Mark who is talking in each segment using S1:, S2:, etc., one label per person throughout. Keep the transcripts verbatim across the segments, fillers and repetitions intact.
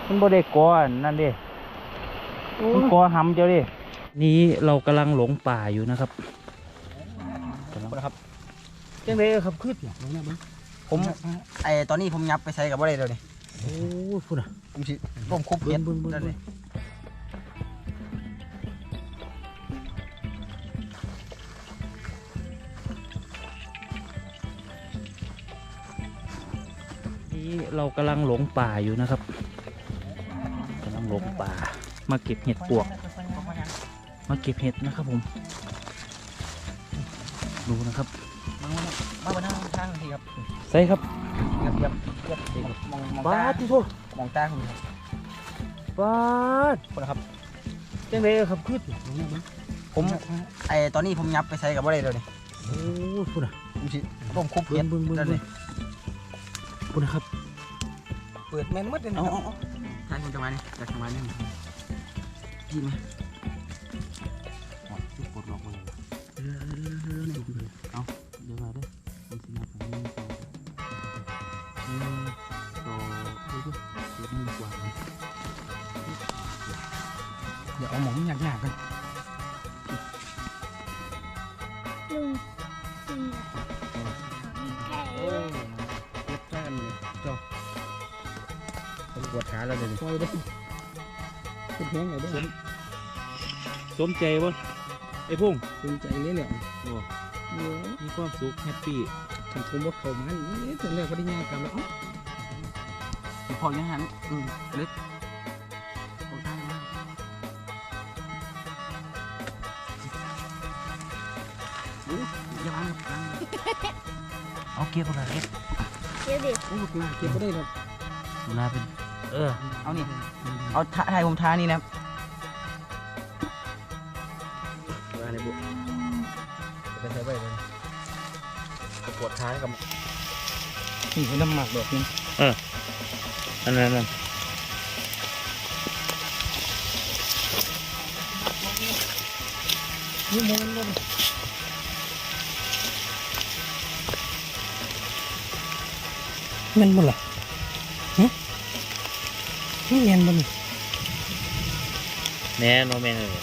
S1: มันบ่ได้ก่อนั่นดิมันก่อหำเจ้าดินี้เรากำลังหลงป่าอยู่นะครับ
S2: ครับ
S1: จังไดครับขึ้น
S2: ผมไอตอนนี้ผมยับไปใช้กับว่าอะไรเดี๋ยวนี้
S1: โอ้พูดอ่ะ
S2: ผมสิร่มคุบเห็ดนั่นเลย
S1: นี้เรากำลังหลงป่าอยู่นะครับกำลังหลงป่ามาเก็บเห็ดปวกมาเก็บเห็ดนะครับผมดูนะครับ
S2: มาบนทางทางทีครับ
S1: ใส่ครับ
S2: เยียบเยียบเยียบมองมองตา
S1: ที่โทษ
S2: มองตาคุณครับ
S1: บ้า
S2: คนละครับ
S1: จังไดครับขึ้น
S2: ผมไอตอนนี้ผมยับไปใช้กับว่าอะไรเดี๋ยวนี้
S1: โอ้พูดอ่ะ
S2: ผมสิร่มคุบเห็ดนั่นเลย
S1: พูดนะครับ
S2: เปิดแมนมัดเลยนะทางคุณจังหวะนี้จากจังหวะนี้ยินไหมปวดหลอกเลยเออเอาเดี๋ยวมาด้วยผมสินับหนึ่งสองหนึ่งสองเฮ้ยเดี๋ยวมือกว่าเดี๋ยวเอาหมองยากๆกัน
S3: ลุงสี่ไก่
S2: โอ้เก็บแค่นี้จ้าปวดขาแล้วเดี๋ยวนี้เป็นแห้งเลยด้วย
S1: สมใจบ่ไอ้พุ่ง
S2: สมใจเลยแหละ
S1: มีความสุขแฮปปี้
S2: ถึงผมว่าเขามันนี่ถึงแล้วก็ได้งานกันแล้วพอยังหันอืมเล็กโอ้ได้มากโอ้ยยังยัง
S1: เอาเก็บอะไรเก็บ
S3: เดี๋ยวดิ
S2: โอ้ลาเก็บก็ได้เลย
S1: ลาเป็นเออ
S2: เอานี่เอาถ่ายผมท้านี่นะมาในบุกไปใช้ไปเลยปวดท้ายกับนี่เป็นน้ำหมักดอกนึง
S1: เอออันนั้นนั่น
S2: นี่มันมันมันหมดละฮะนี่เงียนมัน
S1: แน่โนแมนเลย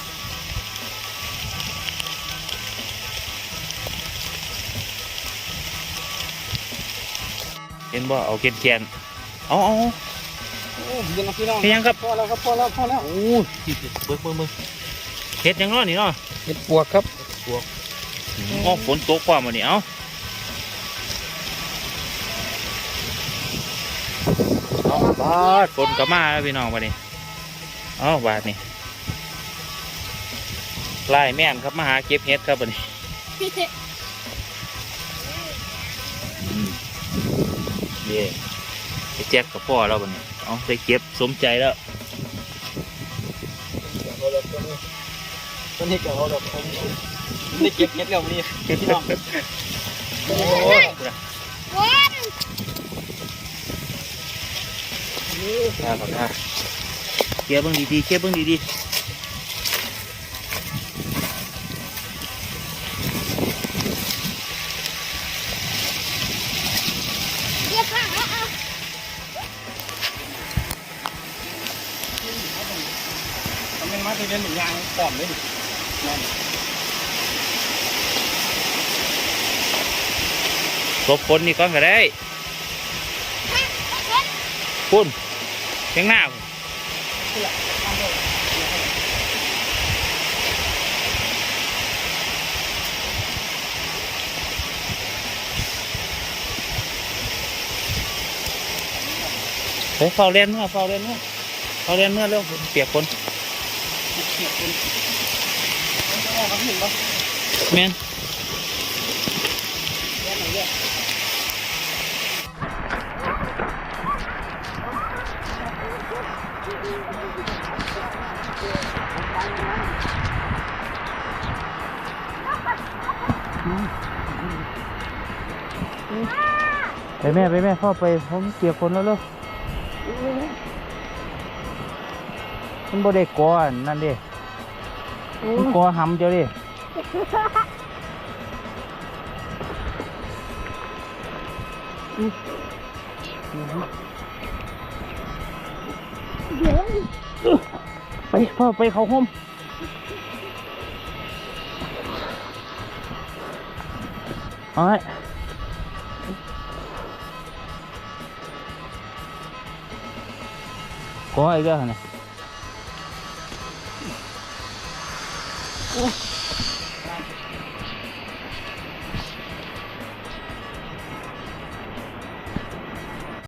S1: เห็นบ่เอาเกนแกนเอาเอา
S2: โอ้ยยังพี่น้อง
S1: เห็นยังครับ
S2: พอแล้วครับพอแล้วพอแล้ว
S1: โอ้ยเบิ้งเบิ้งเบิ้งเห็ดยังน้อนี่เนาะ
S2: เห็ดปวกครับ
S1: ปวกอ๋อฝนตกความวันนี้เอาเอาบาดฝนก็มาแล้วพี่น้องวันนี้เอาบาดนี่ไล่แม่นครับมาหาเก็บเห็ดครับวันนี้เย่ไปแจ็คกับพ่อเราวันนี้เอาไปเก็บสมใจแล้ว
S2: ตัวนี้เกี่ยวกับผมนี่เก็บเห็ดแล้วนี่เก็บพี่น้อง
S1: โอ้ยน่าขอท่าเก็บเบิ้งดีๆเก็บเบิ้งดีๆ
S2: มาที่เล่นหนึ่งยางปอมเลยดิ
S1: ตบคนนี่ก้อนก็ได้พุ่นเชียงหน้าเฮ้ยเฝ้าเล่นเมื่อเฝ้าเล่นเมื่อเฝ้าเล่นเมื่อเรื่องเปียกคนแมนไปแม่ไปแม่พ่อไปผมเปียกคนแล้วลูกมันบ่ได้ก่อนั่นดิมันก่อหำเจ้าดิ
S3: เดี๋ยว
S1: ไปพ่อไปเขาห้มเอาไว้ขออีกแล้วเนี่ยโอ้